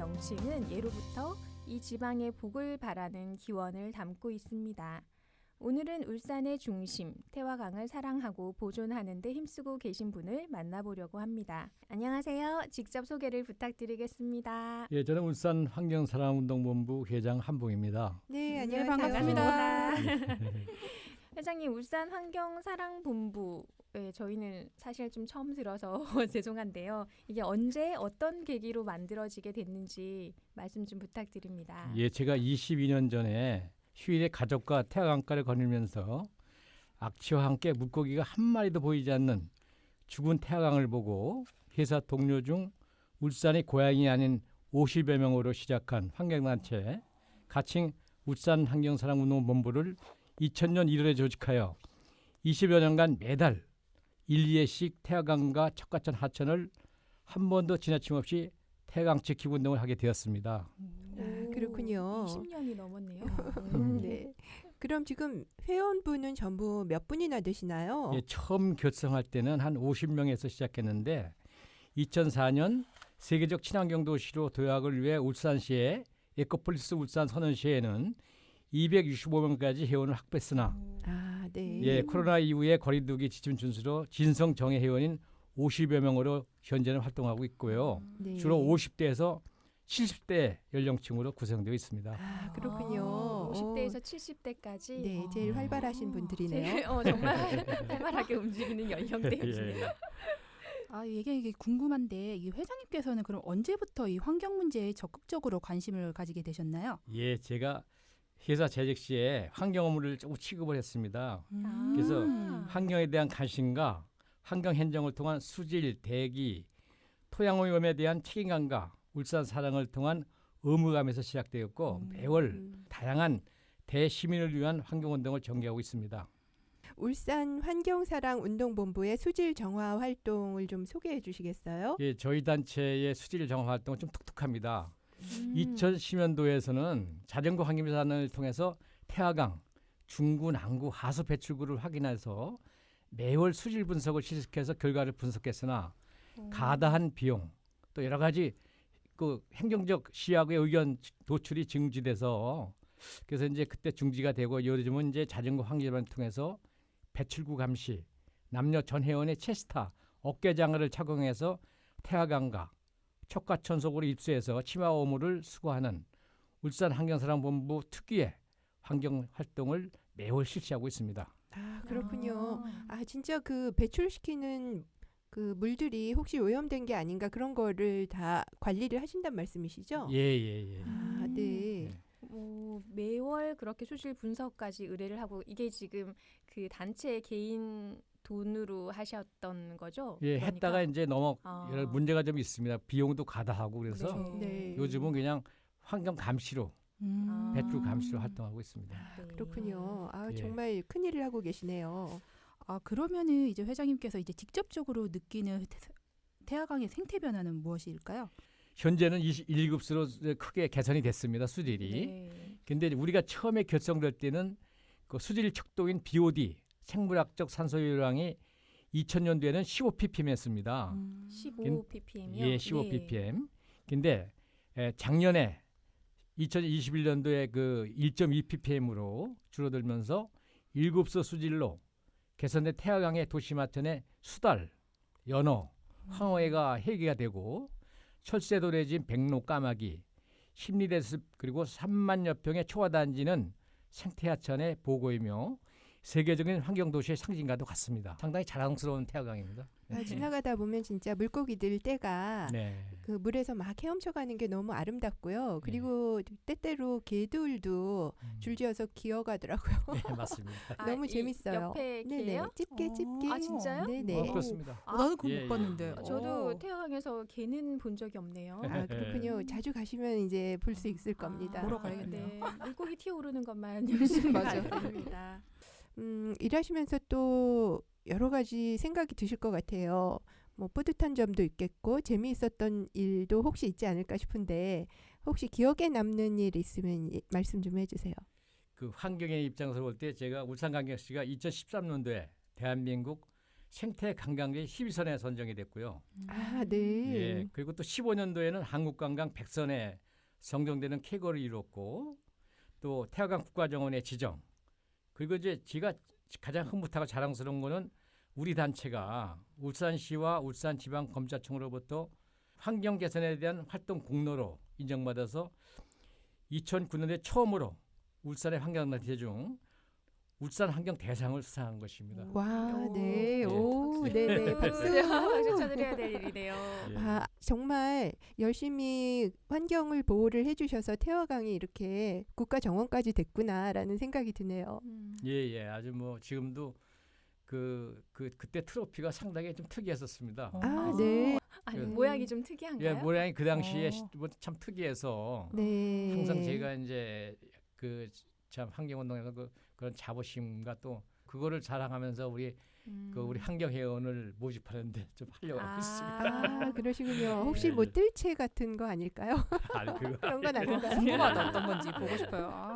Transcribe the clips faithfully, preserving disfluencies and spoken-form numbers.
명칭은 예로부터 이 지방의 복을 바라는 기원을 담고 있습니다. 오늘은 울산의 중심, 태화강을 사랑하고 보존하는 데 힘쓰고 계신 분을 만나보려고 합니다. 안녕하세요. 직접 소개를 부탁드리겠습니다. 예, 저는 울산 환경사랑운동본부 회장 한봉입니다. 네, 네, 안녕하세요. 반갑습니다. 회장님, 울산 환경사랑본부, 예, 저희는 사실 좀 처음 들어서 죄송한데요. 이게 언제 어떤 계기로 만들어지게 됐는지 말씀 좀 부탁드립니다. 예, 제가 이십이 년 전에 휴일에 가족과 태화강가를 거닐면서 악취와 함께 물고기가 한 마리도 보이지 않는 죽은 태화강을 보고 회사 동료 중 울산이 고향이 아닌 오십여 명으로 시작한 환경단체 가칭 울산 환경사랑운동본부를 이천 년 일월에 조직하여 이십여 년간 매달 일, 이 회씩 태화강과 척가천 하천을 한 번도 지나침 없이 태화강 지키고 운동을 하게 되었습니다. 아, 그렇군요. 이십 년이 넘었네요. 음. 네. 그럼 지금 회원분은 전부 몇 분이나 되시나요? 예, 처음 결성할 때는 한 오십 명에서 시작했는데 이천사 년 세계적 친환경 도시로 도약을 위해 울산시에 에코폴리스 울산 선언시에는 이백육십오 명까지 회원을 확보했으나 아, 네. 예, 코로나 이후에 거리두기 지침 준수로 진성 정예 회원인 오십여 명으로 현재는 활동하고 있고요. 네. 주로 오십 대에서 칠십 대 연령층으로 구성되어 있습니다. 아, 그렇군요. 아, 오십 대에서 어, 칠십 대까지. 네, 제일 활발하신 분들이네요. 어, 정말 활발하게 움직이는 연령대이시네요. 아, 이게, 이게 궁금한데 이 회장님께서는 그럼 언제부터 이 환경 문제에 적극적으로 관심을 가지게 되셨나요? 예, 제가 회사 재직 시에 환경 업무를 조금 취급을 했습니다. 음. 그래서 환경에 대한 관심과 환경 행정을 통한 수질, 대기, 토양 오염에 대한 책임감과 울산 사랑을 통한 의무감에서 시작되었고 음. 매월 음. 다양한 대시민을 위한 환경운동을 전개하고 있습니다. 울산 환경사랑운동본부의 수질 정화 활동을 좀 소개해 주시겠어요? 예, 저희 단체의 수질 정화 활동은 좀 독특합니다. 음. 이천십 년도에서는 자전거 환경미산을 통해서 태화강, 중구, 남구, 하수 배출구를 확인해서 매월 수질 분석을 실시해서 결과를 분석했으나 가다한 비용 또 여러 가지 그 행정적 시야의 의견 도출이 중지돼서 그래서 이제 그때 중지가 되고 요즘은 이제 자전거 환기를 통해서 배출구 감시, 남녀 전 회원의 체스타, 어깨 장화를 착용해서 태화강과 척가천속으로 입수해서 치마 오물을 수거하는 울산 환경사랑본부 특유의 환경 활동을 매월 실시하고 있습니다. 아, 그렇군요. 아. 아, 진짜 그 배출시키는 그 물들이 혹시 오염된 게 아닌가 그런 거를 다 관리를 하신단 말씀이시죠? 예, 예, 예. 아, 네. 뭐 매월 그렇게 수질 분석까지 의뢰를 하고 이게 지금 그 단체 개인 돈으로 하셨던 거죠? 예, 그러니까? 했다가 이제 너무 아. 여러 문제가 좀 있습니다. 비용도 가다하고 그래서 그렇죠. 네. 요즘은 그냥 환경 감시로 음. 아. 배출 감시로 활동하고 있습니다. 네. 그렇군요. 아, 예. 정말 큰일을 하고 계시네요. 아, 그러면은 이제 회장님께서 이제 직접적으로 느끼는 태, 태화강의 생태 변화는 무엇일까요? 현재는 일 급수로 크게 개선이 됐습니다. 수질이. 네. 근데 우리가 처음에 결성될 때는 그 수질 척도인 비오디 생물학적 산소유량이 이천 년도에는 십오 ppm이었습니다. 음. 십오 ppm이요? 예, 십오 ppm. 근데 에, 작년에 이천이십일 년도에 그 일 점 이 ppm으로 줄어들면서 일 급수 수질로 개선된 태화강의 도시마천의 수달, 연어, 황어회가 해계가 되고 철새도 내진 백로 까마귀, 십리대습 그리고 삼만여 평의 초화단지는 생태하천의 보고이며 세계적인 환경도시의 상징과도 같습니다. 상당히 자랑스러운 태화강입니다. 아, 지나가다 보면 진짜 물고기들 떼가 네. 그 물에서 막 헤엄쳐가는 게 너무 아름답고요. 그리고 때때로 개들도 음. 줄지어서 기어가더라고요. 네, 맞습니다. 아, 너무 이 재밌어요. 옆에 네네, 개요? 집게 어. 집게. 아, 진짜요? 네네. 어, 그렇습니다. 어, 나는 그거 예, 못 봤는데. 예. 저도 어. 태화강에서 개는 본 적이 없네요. 아, 그렇군요. 자주 가시면 이제 볼 수 있을 겁니다. 보러 가야겠네요. 네. 물고기 튀어오르는 것만 열심히 맞아요. 봤습니다. 음, 일하시면서 또 여러 가지 생각이 드실 것 같아요. 뭐 뿌듯한 점도 있겠고 재미있었던 일도 혹시 있지 않을까 싶은데 혹시 기억에 남는 일 있으면 예, 말씀 좀 해주세요. 그 환경의 입장에서 볼 때 제가 울산광역시가 이천십삼 년도에 대한민국 생태 관광지 십 위선에 선정이 됐고요. 아, 네. 예, 그리고 또 십오 년도에는 한국관광 백 선에 선정되는 쾌거를 이뤘고 또 태화강 국가정원의 지정. 그리고 이제 제가 가장 흐뭇하고 자랑스러운 거는 우리 단체가 울산시와 울산지방검찰청으로부터 환경 개선에 대한 활동 공로로 인정받아서 이천구 년에 처음으로 울산의 환경단체 중 울산 환경 대상을 수상한 것입니다. 와, 오. 네. 예. 오, 네, 네. 박수. 박수 쳐드려야 될 일이네요. 예. 아, 정말 열심히 환경을 보호를 해주셔서 태화강이 이렇게 국가 정원까지 됐구나라는 생각이 드네요. 음. 예, 예. 아주 뭐 지금도 그, 그 그때 트로피가 상당히 좀 특이했었습니다. 어. 아, 네. 아니, 그- 모양이 좀 특이한가요? 예, 모양이 그 당시에 어. 뭐 참 특이해서 네. 항상 제가 이제 그 참 환경운동에서 그 그런 자부심과 또 그거를 자랑하면서 우리 음. 그 우리 환경회원을 모집하는데 좀 하려고 하고 있습니다. 아, 그러시군요. 네. 혹시 뭐 뜰채 같은 거 아닐까요? 아니 그거 그런 건 아닌가요? 궁금하다 어떤 건지 보고 싶어요. 아.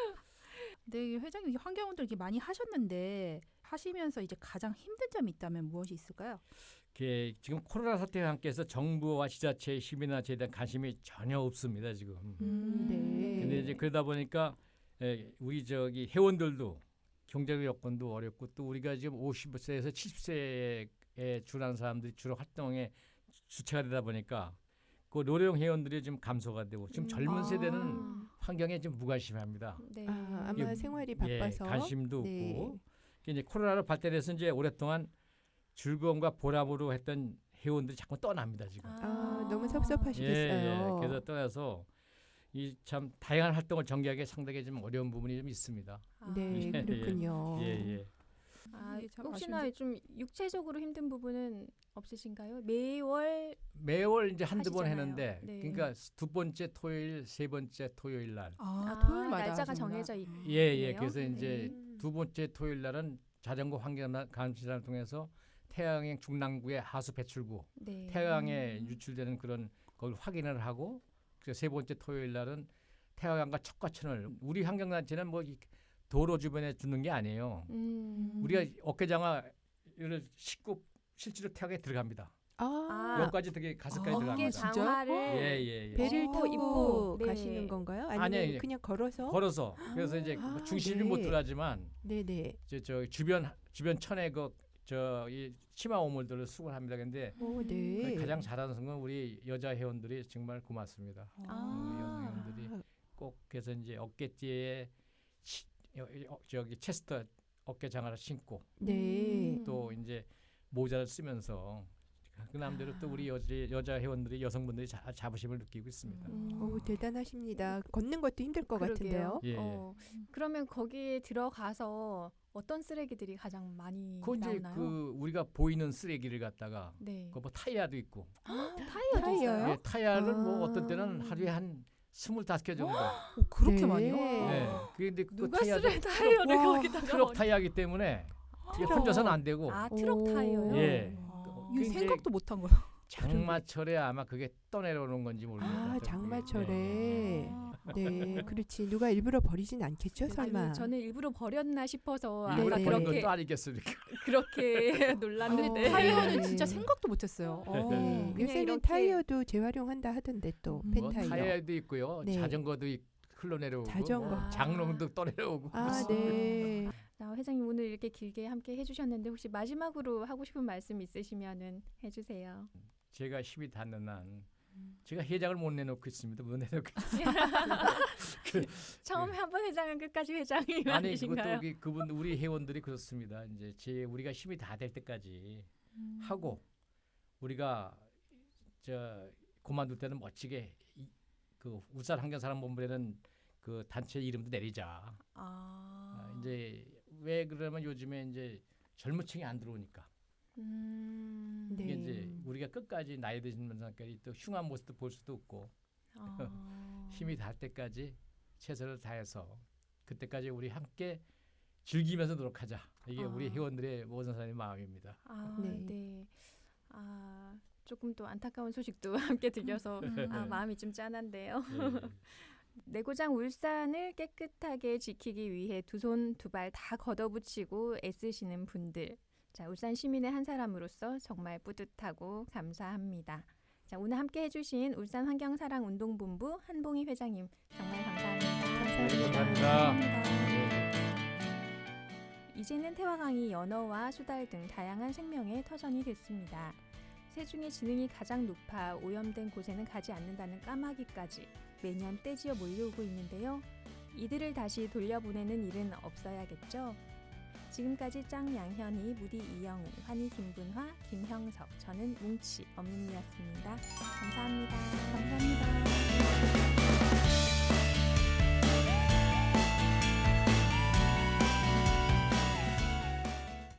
네, 회장님 환경운동 이렇게 많이 하셨는데 하시면서 이제 가장 힘든 점이 있다면 무엇이 있을까요? 이게 지금 코로나 사태와 함께해서 정부와 지자체, 시민단체에 대한 관심이 전혀 없습니다 지금. 음, 네. 근데 이제 그러다 보니까 에, 우리 저기 회원들도 경제적 여건도 어렵고 또 우리가 지금 오십 세에서 칠십 세에 준한 사람들이 주로 활동에 주체가 되다 보니까 그 노령 회원들이 좀 감소가 되고 지금 음. 젊은 아. 세대는 환경에 좀 무관심합니다. 네. 아, 아마 이게- 생활이 예, 바빠서. 관심도 네. 없고 이제 코로나로 발달해서 이제 오랫동안 즐거움과 보람으로 했던 회원들이 자꾸 떠납니다 지금. 아, 너무 섭섭하시겠어요. 예, 그래서 떠나서 이 참 다양한 활동을 전개하기 상당히 좀 어려운 부분이 좀 있습니다. 아. 네, 예, 그렇군요. 예, 예. 아, 이게 참 혹시나 좀 육체적으로 힘든 부분은 없으신가요? 매월 매월 이제 한두 번 하시잖아요. 했는데 네. 그러니까 두 번째 토요일, 세 번째 토요일 날. 아, 아, 토요일마다 날짜가 하시는구나. 정해져 있- 예, 예. 그래요? 그래서 이제 음. 두 번째 토요일 날은 자전거 환경 감시단을 통해서 태양행 중랑구의 하수 배출구, 네. 태양에 음. 유출되는 그런 걸 확인을 하고 그래서 세 번째 토요일 날은 태양과 척과천을 우리 환경단체는 뭐 이 도로 주변에 두는 게 아니에요. 음. 우리가 어깨장화를 싣고 실제로 태양에 들어갑니다. 아, 아, 여기까지 되게 가슴까지 아, 들어갑니다. 어깨 진짜요? 장화를 예, 예, 예. 배를 어, 타고 입고, 네. 가시는 건가요? 아니면 아니에요. 그냥 걸어서? 걸어서 그래서 이제 뭐 아, 중심이 네. 못 들어가지만 네, 네. 저, 저 주변 주변 천에 그저이 치마 오물들을 수거합니다. 근데 오, 네. 가장 잘하는 건 우리 여자 회원들이 정말 고맙습니다. 아. 우리 여자 회원들이 꼭 그래서 이제 어깨띠에 치, 여- 여- 저기 체스터 어깨 장화를 신고 네. 음. 또 이제 모자를 쓰면서 그 나름대로 또 우리 여자, 여자 회원들이 여성분들이 자, 자부심을 느끼고 있습니다. 음. 오, 대단하십니다. 걷는 것도 힘들 것 그러게요. 같은데요. 예, 예. 어, 그러면 거기에 들어가서 어떤 쓰레기들이 가장 많이 그 이제 나오나요? 그 우리가 보이는 쓰레기를 갖다가 네. 그 뭐 타이어도 있고 타이어도 타이어요? 있어요? 예, 타이어를 뭐 아. 어떤 때는 하루에 한 스물다섯 개 정도. 오, 그렇게 네. 많이요? 예. 근데 그 누가 타이어도 쓰레 타이어를 와, 거기다가 트럭 얹- 타이어이기 때문에 이게 트럭. 혼자서는 안 되고 아 트럭 오. 타이어요? 예. 아, 그 이거 이제 생각도 못한 거예요. 장마철에 아마 그게 떠내려오는 건지 모르겠어요. 아, 장마철에. 예. 아. 네, 그렇지. 누가 일부러 버리진 않겠죠, 설마. 아니, 저는 일부러 버렸나 싶어서 일부러 네, 아까 버린 네. 그렇게 것도 아니겠습니까? 그렇게 놀랐는데 어, 타이어는 네. 진짜 생각도 못했어요. 어. 네. 그냥 요새는 이렇게- 타이어도 재활용한다 하던데 또 음. 뭐 펜타이어. 타이어도 있고요, 네. 자전거도 있- 흘러내려오고, 자전거. 뭐 장롱도 떠내려오고. 아, 그렇습니다. 네. 자, 회장님 오늘 이렇게 길게 함께 해주셨는데 혹시 마지막으로 하고 싶은 말씀 있으시면은 해주세요. 제가 힘이 닿는 한 음. 제가 회장을 못 내놓고 있습니다. 못 내놓고 있습니다. 처음에 한 번 회장은 끝까지 회장이 아니 그것도 아니신가요? 그, 그분 우리 회원들이 그렇습니다. 이제 제 우리가 힘이 다 될 때까지 음. 하고 우리가 저 그만둘 때는 멋지게 이, 그 울산 환경사랑본부라는 그 단체 이름도 내리자. 아, 아, 이제 왜 그러면 요즘에 이제 젊은층이 안 들어오니까 음. 네. 이게 이제 우리가 끝까지 나이 드신 분들까지 또 흉한 모습도 볼 수도 없고 아. 힘이 닿을 때까지 최선을 다해서 그때까지 우리 함께 즐기면서 노력하자. 이게 아. 우리 회원들의 모든 사람의 마음입니다. 아, 네. 네. 아, 조금 또 안타까운 소식도 함께 들려서 아, 마음이 좀 짠한데요. 예, 내고장 울산을 깨끗하게 지키기 위해 두 손 두 발 다 걷어붙이고 애쓰시는 분들 자, 울산 시민의 한 사람으로서 정말 뿌듯하고 감사합니다. 자, 오늘 함께 해주신 울산 환경사랑운동본부 한봉희 회장님 정말 감사합니다. 네, 감사합니다. 이제는 태화강이 연어와 수달 등 다양한 생명의 터전이 됐습니다. 새 중에 지능이 가장 높아 오염된 곳에는 가지 않는다는 까마귀까지 매년 떼지어 몰려오고 있는데요. 이들을 다시 돌려보내는 일은 없어야겠죠. 지금까지 짱 양현희, 무디 이영은, 환희 김분화, 김형석, 저는 뭉치 엄민이었습니다. 감사합니다. 감사합니다.